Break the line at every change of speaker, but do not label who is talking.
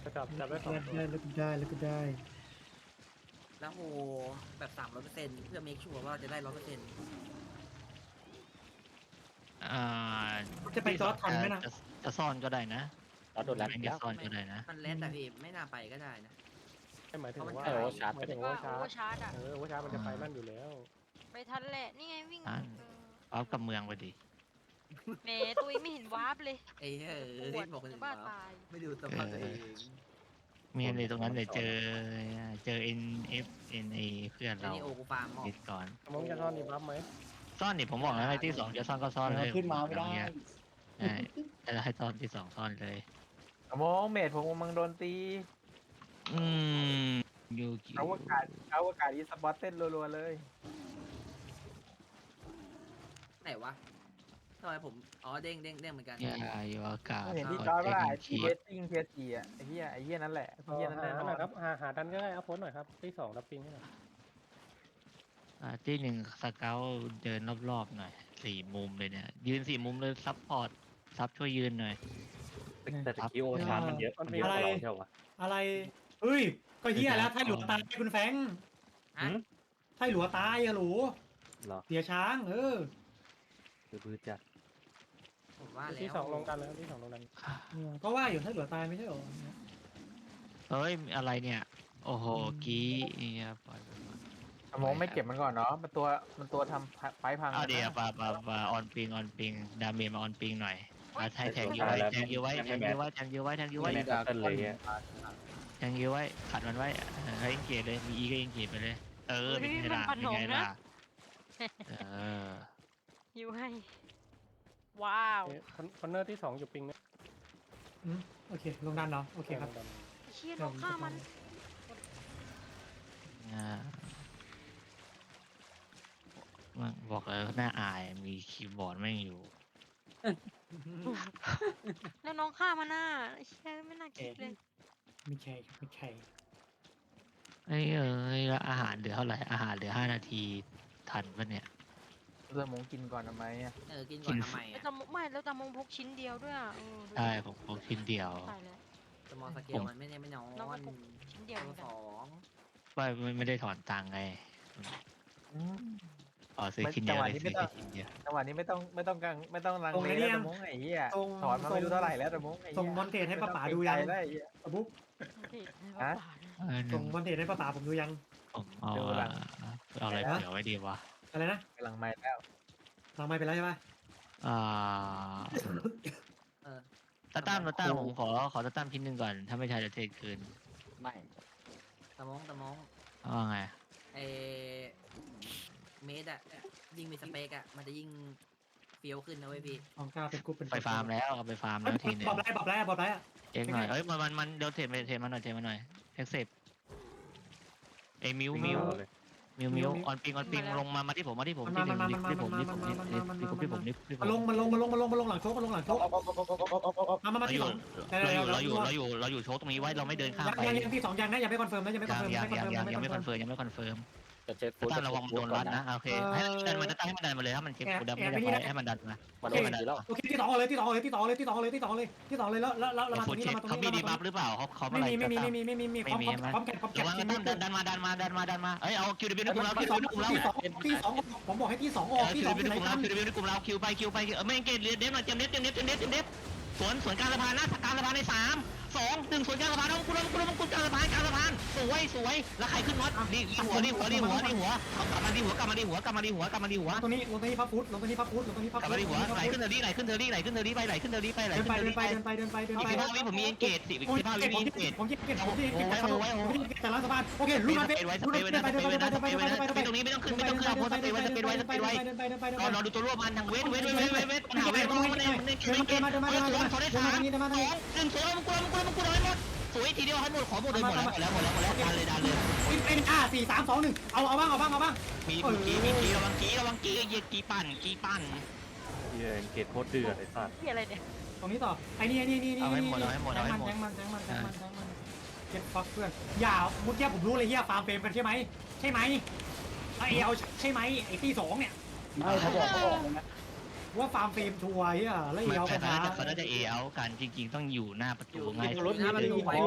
ก็จับได้2 ตัว
ได้แล้วก็ได้แล้วก็ได้
แล้วโหแบบ300%เพื่อเมคชัวร์ว่าเราจะได้100%
อ่า
จะไปจอร์จทันไหมนะ
จะซ่อนก็ได้นะ
เราโดนรัด
ไม่
แล้ว
ซ่อนก็ได้นะ
มันแล้วแต่พี่ไม่น่าไปก็ได้นะ
ไม่หมายถึงว่า
เออ
หมายถึงว่า
ว่าโอเวอร์ชาร์จอ่ะ
โอเวอร์ชาร์จมันจะไปนั่นอยู่แล้ว
ไปทันแหละนี่ไงวิ่ง
ทัน เอากับเมืองไปดิ
แหมตัวเองไม่เห็นวาร์ปเลย
ไอ้เฮ้ย
ปวด
บอกคนอื่น
บ้า
ว่า
ตาย
ไม่ดูสภาพตัวเอง
มีอะไรตรงนั้นเลยเจอ NF NA เพื่อน
ไอ้
เรา
นี่โอกูฟาร์มหมอ
ยึดก่อน
มองจะซ่อนดีบัฟไหม
ซ่อนนี่ผมบอกแล้วไอ้ที่2จะซ่อนก็ซ่อนเลย
ขึ้นมาไม่ได้
ใช่จะให้ซ่อนที่2ซ่อนเลย
มองเมดผมกำลังโดนตี
อืมยูกิ
อวกาศอีสปอร์ตเต้นรัวๆเลย
ไหนวะทำไมผมอ๋อเด้งเหมือนกัน
ยาอยู่อากาศ
เห็นที่จอยก็ได้ที่เวสติ้งเทียจีอ่ะไอ้เหี้ยนั่นแหละไอ้เหี้ยนั่นแน่นอ
หน่อย
น
ครับหาดันก็ได้อัพโพสหน่อยครับที่2รับปิงให้หน่อย
ที่1สเกลเดินรอบๆหน่อย4 มุมเลยเนี่ยยืน4 มุมเลยซับพอร์ตซับช่วยยืนหน่อย
แต่ตะกี้โอชาร์จมันเยอะกว่าเราเท่าไหร่
อะไรเฮ้ยก็เฮียแล้วไทยหลวงตายคุณแฟง
ฮะ
ไทยหลวงตายอะหลู
เหรอ
เสียช้าง
คือพื้นจัด
ผมว่าแล้ว
ที่2ลงดันเลยครับที่2ลงดัน
ก็ว่าอยู่ไทยหลวงตายไม่ใช่หรอ
เฮ้ยอะไรเนี่ย โอ้โหกี้เนี่ยปล่อยไปก่อน
มองไม่เก็บมันก่อนเนาะมันตัวทำไฟพัง
เอาเดี๋ยวปาออนปิงดาเมจมาออนปิงหน่อยเอาใช้แทงยูไว้แทงยูไว้
ไม่แม้แต่เลยเนี่ย
แทงยูไว้ขัดมันไว้ให้เอ็นเกตเลยมีอีก็เอ็นเกตไปเลยเป็นไงล่ะเป็นไงล่ะเออ
ยิวให้ ว้าว
คอนเนอร์ที่2อยู่ปิงนะ
โอเคลงดันเนาะโอเคครับ
เชี่ยน้องฆ่ามัน
บอกเลยหน้าอายมีคีย์บอร์ดแม่งอยู่
แล้วน้องฆ่ามันน่ะเชี่ยไม่น่าคิดเลย
ไม่ใช่
เอ้ยแล้วอาหารเหลือเท่าไหร่อาหารเหลือ5 นาทีทันปะเนี่ย
เริ่มมงกินก่อนทำไมอ่ะ
กินก่อนทำไม
แล้ว
อ่ะ
แต่ไม่แล้วแต่มงพกชิ้นเดียวด้วยอ่ะ
ใช่ผมพกชิ้นเดียว
ตายแล้ว
สมอลสเกลมันไม่น้อย
น้องก็พกชิ้นเดียวเหมือนกัน
ไม่ได้ถอนตังค์ไงอ๋อซื้อชิ้นเดียวเลยซื้อแค่ชิ้นเดียว
จังหวะนี้ไม่ต้องลังเลแล้วแต่มงไอ้เหี้ยถอนมาไม่รู้เท่าไหร่แล้วแต่มงไอ้เหี้ย
ส่งบอลเทจให้ป้าป๋าดูยัง
ได้ไอ้เหี้ย
บุ๊ก
ฮะ
ส่งบอลเทจให้ป้าป๋าผมดูยัง
ผมเอาอะไรเผื่อไว้ดีวะ
อะไรนะ
กำลังไม่แล้ว
ทางไม่ไปแล้วใช่ปะ
ตาตั้มผมขอตาตั้มชิ้นหนึ่งก่อนถ้าไม่ใช่จะเทคืน
ไม่
ตะมง
ว่าไง
ไอเมดอะยิ่งมีสเปกอะมันจะยิ่งเฟี้ยวขึ้นนะเว้ยพี่
ของกล้าเป็นกรุ๊ปเป็น
ไปฟาร์มแล้วเอาไปฟาร์มแล้วทีนึง
บอกได้อะ
เอ็กหน่อยมันเดี๋ยวเทมาหน่อยเอ็กเซปไอ้มิวออนปิงลงมาที่ผมที่ผมนี่
มาลงหลังโชกมาที่สอง
เราอยู่โชว์ตรงนี้ไว้เราไม่เดินข้ามไป
ยังที่สองยังนะยังไม่คอนเฟิร์มนะยังไม่คอนเฟิร์ม
ยังไม่คอนเฟิร์ม
จะเช็คฟูด
ตั้งระวังโดนรัดนะโอเคให้มันดันมาเลยถ้ามันเก็บกูดันไม่ได้ให้มันดันมา
มันโดนดีแล้ว
โอเคที่สองเลยแล้วมาตรงนี้
เขามีดีบัฟหรือเปล่าเขา
ไม่มีพร้อมแกะ
ระวังดันมาเอ้ยเอาคิวดิบินในกลุ่มเรา
ที่สองผมบอกให้ที่สองออกที่สอง
คิวดิบินในกลุ่มเราคิวไปไม่เกตเดฟหน่อยเต็มเดฟสวนกลางสะพานนะกลางสะพานใน3 2 1สวนกลางสะพานน้องคุณกลางสะพานสวยแล้วใครขึ้นน็อตนี่หัวเขากลับมาดีหัวตรงนี้
พับฟุตกลับมาดีหัว
ไหลขึ้นเทอรี่ไปเดินไปผมมีเอ็นเกต15 วิมีเอ็นเกต
ผมเก็บแต่ละสะพานโอเคลุ้นไป
ตรงนี้ไม่ต้องขึ้นเอาโพสไปไว้รอดูตัวร่วมมันทางเวทหาเวทมันสวนได้3 2 1สวยมันกูน้อยหมดสวยทีเดียวให้หมดขอหมดเลยดันเลย
เป็น4 3 2 1เอาบ้าง
มีกีระวังกีเหยียดกีปั่น
เย็นเกตโคตรเดือดไอ้สัตว์
ที่อะไรเนี่ย
ตรงนี้ต่อไอ้นี่แทงมันเก็บฟักเพื่อนอย่าเมื่อกี้ผมรู้เลยเฮียฟาร์มเฟรมกันใช่ไหมไอเอาใช่ไหมไอ้ที่2เนี่ย
ไม่เขาบอกนะ
ว่าฟาร์มเฟรมทัวร์เฮียแล้วเอาปัญหา
เขาน่าจะเอเอากันจริงๆต้องอยู่หน้าประตูง่าย
หน้าประตู